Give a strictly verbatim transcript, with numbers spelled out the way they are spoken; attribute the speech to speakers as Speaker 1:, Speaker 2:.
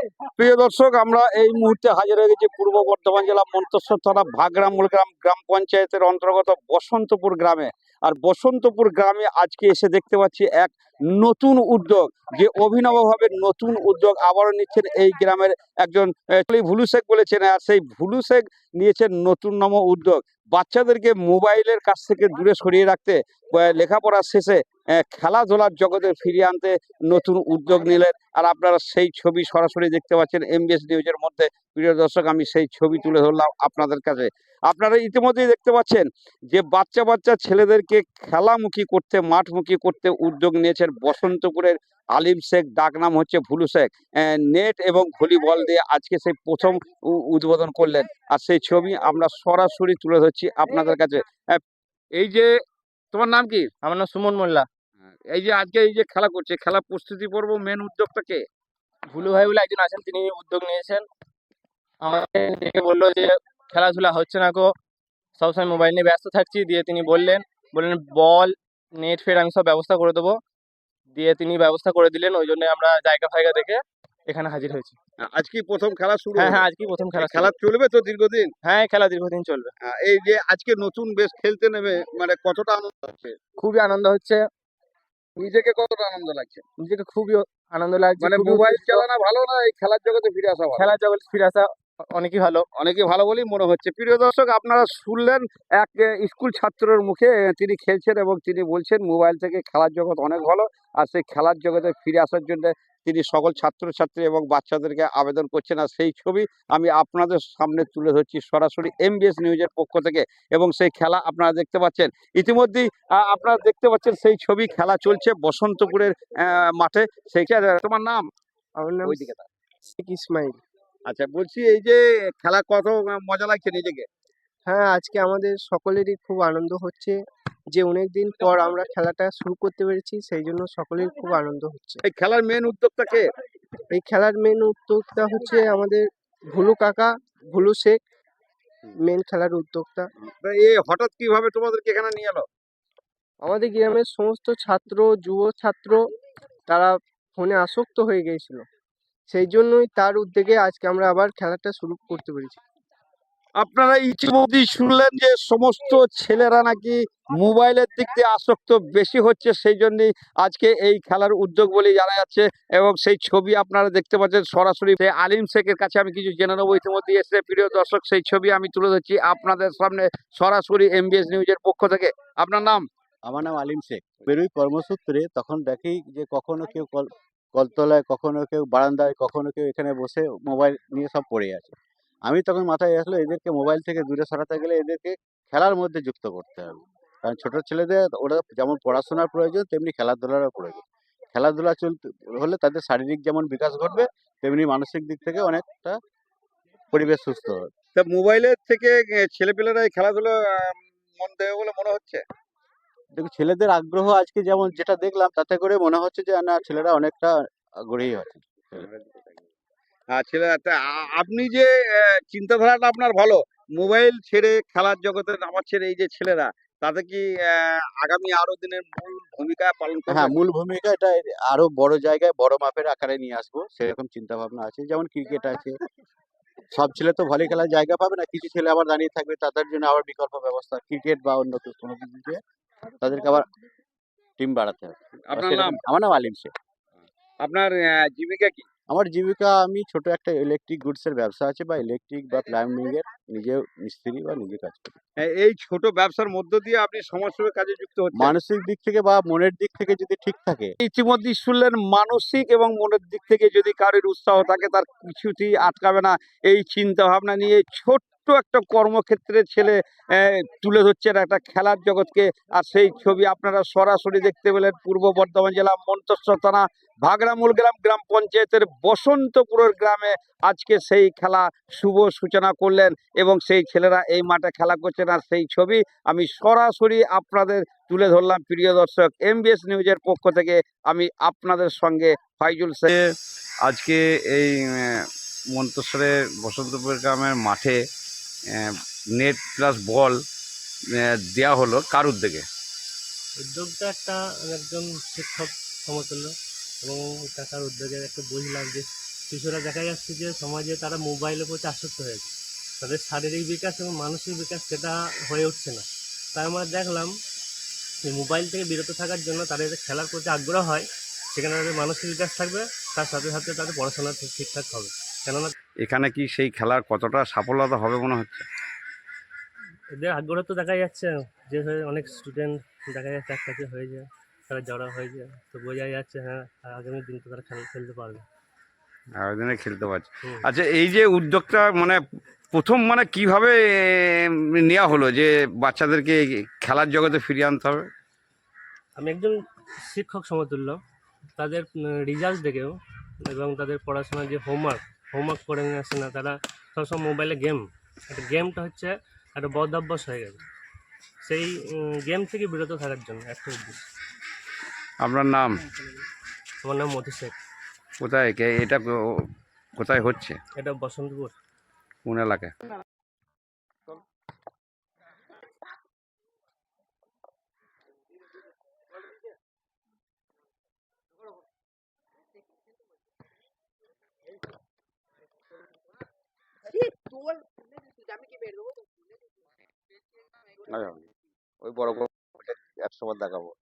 Speaker 1: প্রিয় দর্শক, আমরা এই মুহূর্তে হাজির হয়ে গেছি পূর্ব বর্ধমান জেলা মন্তেশ্বর থানা ভাগড়া মূলগ্রাম গ্রাম পঞ্চায়েতের অন্তর্গত বসন্তপুর গ্রামে। আর বসন্তপুর গ্রামে আজকে এসে দেখতে পাচ্ছি এক নতুন উদ্যোগ, যে অভিনবভাবে নতুন উদ্যোগ আবারও নিচ্ছেন এই গ্রামের একজন আহ, ভুলু শেখ বলেছেন। আর সেই ভুলু শেখ নিয়েছেন নতুন নম উদ্যোগ, বাচ্চাদেরকে মোবাইলের কাছ থেকে দূরে সরিয়ে রাখতে, আহ, লেখাপড়া শেষে আহ, খেলাধুলার জগতে ফিরিয়ে আনতে নতুন উদ্যোগ নিলেন। আর আপনারা সেই ছবি সরাসরি দেখতে পাচ্ছেন এমবিএস নিউজের মধ্যে। প্রিয় দর্শক, আমি সেই ছবি তুলে ধরলাম আপনাদের কাছে। আপনারা ইতিমধ্যেই দেখতে পাচ্ছেন যে বাচ্চা বাচ্চা ছেলেদেরকে খেলামুখী করতে, মাঠমুখী করতে উদ্যোগ নিয়েছেন বসন্তপুরের আলিম শেখ, ডাক নাম হচ্ছে ভুলু শেখ। নেট এবং ভলিবল দিয়ে আজকে সেই প্রথম উ- উদ্বোধন করলেন। আর সেই ছবি আমরা সরাসরি তুলে ধরছি আপনাদের কাছে। আহ, এই যে, তোমার নাম কি?
Speaker 2: আমার নাম সুমন মোল্লা।
Speaker 1: এই যে আজকে এই যে খেলা করছে, খেলা প্রস্তুতি পর্ব মেন উদ্যোগটা কে?
Speaker 2: ভুলু ভাই বলে একজন আছেন, তিনি উদ্যোগ নিয়েছেন। আমাকে ডেকে বললো যে খেলাধুলা হচ্ছে না গো, সবসময় মোবাইল নিয়ে ব্যস্ত থাকছি। দিয়ে তিনি বললেন বললেন বল, নেট ফের আমি সব ব্যবস্থা করে দেবো। দিয়ে তিনি ব্যবস্থা করে দিলেন, ওই জন্য আমরা জায়গা ফায়গা দেখে এখানে হাজির হয়েছি।
Speaker 1: আজকে প্রথম খেলা শুরু
Speaker 2: হ্যাঁ
Speaker 1: হলো।
Speaker 2: হ্যাঁ, আজকেই প্রথম খেলা
Speaker 1: এই খেলা
Speaker 2: শুরু।
Speaker 1: চলবে তো দীর্ঘদিন?
Speaker 2: হ্যাঁ, এই খেলা দীর্ঘদিন চলবে।
Speaker 1: আহ, এই যে আজকে নতুন বেশ খেলতে নেমে মানে কতটা আনন্দ হচ্ছে?
Speaker 2: খুবই আনন্দ হচ্ছে,
Speaker 1: নিজেকে কতটা আনন্দ লাগছে?
Speaker 2: নিজেকে খুবই আনন্দ লাগছে,
Speaker 1: মানে
Speaker 2: খুবই
Speaker 1: মোবাইল
Speaker 2: উত্তেজিত।
Speaker 1: চালানো ভালো না এই খেলার জগতে ফিরে আসা ভালো?
Speaker 2: খেলার জগতে ফিরে আসা অনেকই ভালো।
Speaker 1: অনেকে ভালো বলেই মনে হচ্ছে। প্রিয় দর্শক, আপনারা শুনলেন এক আহ, স্কুল ছাত্রের মুখে। আহ, তিনি খেলছেন এবং তিনি বলছেন মোবাইল থেকে খেলার জগৎ অনেক ভালো। আর সেই খেলার জগতে ফিরে আসার জন্য তিনি সকল ছাত্রছাত্রী এবং বাচ্চাদেরকে আবেদন করছেন। আর সেই ছবি আমি আপনাদের সামনে তুলে ধরছি সরাসরি এমবিএস নিউজের পক্ষ থেকে। এবং সেই খেলা আপনারা দেখতে পাচ্ছেন ইতিমধ্যেই। আহ, আপনারা দেখতে পাচ্ছেন সেই ছবি, খেলা চলছে বসন্তপুরের আহ, মাঠে। সেই খে- তোমার নাম?
Speaker 2: আমার নাম
Speaker 1: ওইদিকে তাকাও।
Speaker 2: শেখ ইসমাইল।
Speaker 1: আচ্ছা, বলছি এই যে খেলা কত আহ, মজা লাগছে নিজেকে?
Speaker 2: হ্যাঁ, আজকে আমাদের সকলেরই খুব আনন্দ হচ্ছে যে অনেক দিন পর আমরা খেলাটা শুরু করতে পেরেছি, সেই জন্য সকলের খুব আনন্দ হচ্ছে।
Speaker 1: এই খেলার মেন উদ্যোক্তা কে?
Speaker 2: এই খেলার মেন উদ্যোক্তা হচ্ছে আমাদের ভুলু কাকা, ভুলু শেখ মেন খেলার উদ্যোক্তা।
Speaker 1: তা এ হঠাৎ কিভাবে তোমাদেরকে এখানে নিয়ে এলো?
Speaker 2: আমাদের গ্রামের সমস্ত ছাত্র, যুব ছাত্র, তারা ফোনে আসক্ত হয়ে গিয়েছিল, সেই জন্যই তার উদ্যোগে আজকে আমরা আবার খেলাটা শুরু করতে পেরেছি।
Speaker 1: আপনারা ইতিমধ্যেই শুনলেন যে সমস্ত ছেলেরা নাকি মোবাইলের দিক দিয়ে আসক্ত বেশি হচ্ছে, সেই জন্যই আজকে এই খেলার উদ্যোগ বলে জানা যাচ্ছে। এবং সেই ছবি আপনারা দেখতে পাচ্ছেন সরাসরি সেই আলিম শেখের কাছে আমি কিছু জেনে নেবো। ইতিমধ্যে এসে প্রিয় দর্শক, সেই ছবি আমি তুলে ধরছি আপনাদের সামনে সরাসরি এমবিএস নিউজের পক্ষ থেকে। আপনার নাম?
Speaker 3: আমার নাম আলিম শেখ। বেরোই কর্মসূত্রে, তখন দেখি যে কখনো কেউ কল কলতলায়, কখনো কেউ বারান্দায়, কখনো কেউ এখানে বসে মোবাইল নিয়ে সব পড়ে আছে। আমি তখন মাথায় আসলো এদেরকে মোবাইল থেকে দূরে সরাতে গেলে এদেরকে খেলার মধ্যে যুক্ত করতে হবে। কারণ ছোট ছেলেদের ওরা যেমন পড়াশোনার প্রয়োজন তেমনি খেলাধুলারও প্রয়োজন। খেলাধুলা চলতে হলে তাদের শারীরিক যেমন বিকাশ ঘটবে, তেমনি মানসিক দিক থেকে অনেকটা পরিবেশ সুস্থ হবে।
Speaker 1: তা মোবাইলের থেকে ছেলেপেলেরা এই খেলাধুলো আহ, মন দেবে বলে মনে হচ্ছে?
Speaker 3: দেখুন, ছেলেদের আগ্রহ আজকে যেমন যেটা দেখলাম তাতে করে মনে হচ্ছে যে না, ছেলেরা অনেকটা আগ্রহী আছে।
Speaker 1: আর ছেলে তা আ- আপনি যে আহ, চিন্তাধারাটা আপনার ভালো, মোবাইল ছেড়ে খেলার জগতে নামাচ্ছেন এই যে ছেলেরা, তাতে কি আহ, আগামী আরো দিনের মূল ভূমিকা পালন
Speaker 3: হ্যাঁ,
Speaker 1: করবেন?
Speaker 3: মূল ভূমিকা এটা আরো বড় জায়গায় বড় মাপের আকারে নিয়ে আসবো, সেরকম চিন্তা ভাবনা আছে। যেমন ক্রিকেট আছে, সব ছেলে তো ভলি খেলার জায়গা পাবে না, কিছু ছেলে আবার দাঁড়িয়ে থাকবে, তাদের জন্য আবার বিকল্প ব্যবস্থা ক্রিকেট বা অন্য কিছু কোনো কিছু দিয়ে তাদেরকে আবার টিম বাড়াতে হবে। বা
Speaker 1: আপনার নাম?
Speaker 3: সেরকম আমার নাম আলিম শেখ।
Speaker 1: আপনার আহ, জীবিকা কি?
Speaker 3: আমার জীবিকা, আমি ছোট একটা ইলেকট্রিক গুডস এর ব্যবসা আছে, বা ইলেকট্রিক বা প্লাম্বিং এর নিজেও মিস্ত্রি বা নিজে কাজ করি।
Speaker 1: আহ, এই ছোট ব্যবসার মধ্য দিয়ে আপনি সমাজসেবা কাজে যুক্ত হচ্ছেন।
Speaker 3: মানসিক দিক থেকে বা মনের দিক থেকে যদি ঠিক থাকে,
Speaker 1: ইতিমধ্যেই শুনলেন, মানসিক এবং মনের দিক থেকে যদি কারোর উৎসাহ থাকে তার কিছুতেই আটকাবে না। এই চিন্তা ভাবনা নিয়ে ছোট্ট একটা কর্মক্ষেত্রে ছেলে আহ, তুলে ধরছেন একটা খেলার জগৎকে। আর সেই ছবি আপনারা সরাসরি দেখতে পেলেন পূর্ব বর্ধমান জেলা মন্তেশ্বর থানা ভাগড়া মূলগ্রাম গ্রাম পঞ্চায়েতের বসন্তপুরের গ্রামে আজকে সেই খেলা শুভ সূচনা করলেন এবং সেই ছেলেরা এই মাঠে খেলা করছেন। আর সেই ছবি আমি সরাসরি আপনাদের তুলে ধরলাম। প্রিয় দর্শক, এমবিএস নিউজের পক্ষ থেকে আমি আপনাদের সঙ্গে ফাইজুল শেখ। আজকে এই আহ, মন্তেশ্বরের বসন্তপুর গ্রামের মাঠে আহ, নেট প্লাস বল আহ, দেয়া হলো কার উদ্যোগে?
Speaker 4: উদ্যোগটা একটা একজন শিক্ষক সমতুল্য এবং কাকার উদ্যোগের একটা বুঝলাম যে শিশুরা দেখা যাচ্ছে যে সমাজে তারা মোবাইলের প্রতি আসক্ত হয়েছে, তাদের শারীরিক বিকাশ এবং মানসিক বিকাশ সেটা হয়ে উঠছে না। তাই আমরা দেখলাম যে মোবাইল থেকে বিরত থাকার জন্য তাদের যে খেলার প্রতি আগ্রহ হয়, সেখানে তাদের মানসিক বিকাশ থাকবে, তার সাথে সাথে তাদের পড়াশোনা ঠিক- ঠিকঠাক হবে। কেননা
Speaker 1: এখানে কি সেই খেলার কতটা সাফল্যতা হবে মনে হচ্ছে?
Speaker 4: এদের আগ্রহ তো দেখা যাচ্ছে, যে হয়ে অনেক স্টুডেন্ট দেখা যাচ্ছে একসাথে হয়ে যায়, তারা জড়ো হয়ে যায়, তো বোঝাই যাচ্ছে হ্যাঁ আগামী দিন তো তারা খেলা খেলতে পারবে।
Speaker 1: আয়োজনে খেলতে পারছে।
Speaker 4: হুম।
Speaker 1: আচ্ছা, এই যে উদ্যোগটা মানে প্রথম মানে কিভাবে নেওয়া হলো যে বাচ্চাদেরকে খেলার জগতে ফিরিয়ে আনতে হবে?
Speaker 4: আমি একজন শিক্ষক সমতুল্য, তাদের রেজাল্ট দেখেও এবং তাদের পড়াশোনার যে হোমওয়ার্ক হোমওয়ার্ক করে নিয়ে আসে না, তারা সবসময় মোবাইলে গেম, একটা গেমটা হচ্ছে একটা বদ অভ্যাস হয়ে গেছে, সেই গেম থেকে বিরত থাকার জন্য একটা উদ্দেশ্য।
Speaker 1: আপনার নাম?
Speaker 4: আমার নাম মধু শেখ।
Speaker 1: কোথায় কে- এটা কো- কোথায় হচ্ছে?
Speaker 4: এটা বসন্তপুর।
Speaker 1: কোন এলাকায়? ওই বড় বড় একশো বার দেখাবো।